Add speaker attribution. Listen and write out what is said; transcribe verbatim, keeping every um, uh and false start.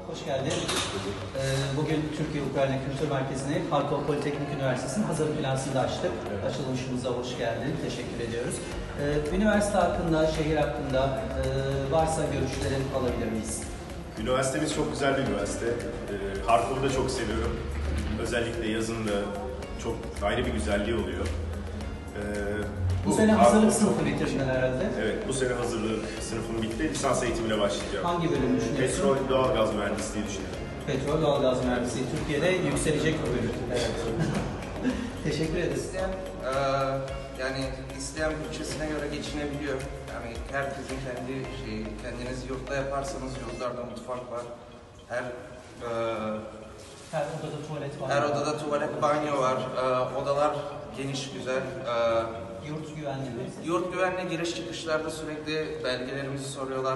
Speaker 1: hoş geldin. Ee, bugün Türkiye-Ukrayna Kültür Merkezi'ni Harkov Politeknik Üniversitesi'nin hazır binasında açtık. Evet. Açılışımıza hoş geldin. Teşekkür ediyoruz. Ee, üniversite hakkında, şehir hakkında e, varsa görüşlerin alabilir miyiz?
Speaker 2: Üniversitemiz çok güzel bir üniversite. Ee, Harkov'u da çok seviyorum. Özellikle yazın da çok ayrı bir güzelliği oluyor. Ee,
Speaker 1: Bu, bu sene hazırlık sınıfı bitirdin herhalde.
Speaker 2: Evet, bu sene hazırlık sınıfım bitti. Lisans eğitimine başlayacağım.
Speaker 1: Hangi bölüm düşünüyorsun?
Speaker 2: Petrol, doğalgaz mühendisliği düşünüyorum.
Speaker 1: Petrol, doğalgaz mühendisliği. Türkiye'de yükselecek bir bölüm. Evet. Teşekkür ederiz.
Speaker 3: İsteyen, e, yani isteyen bütçesine göre geçinebiliyor. Yani herkesin kendi şeyi, kendiniz yurtta yaparsanız yurtlarda mutfak var. Her e,
Speaker 1: Her odada tuvalet var.
Speaker 3: her odada tuvalet, banyo var. E, odalar geniş, güzel. E,
Speaker 1: Yurt güvenliği.
Speaker 3: Yurt güvenliği giriş çıkışlarda sürekli belgelerimizi soruyorlar.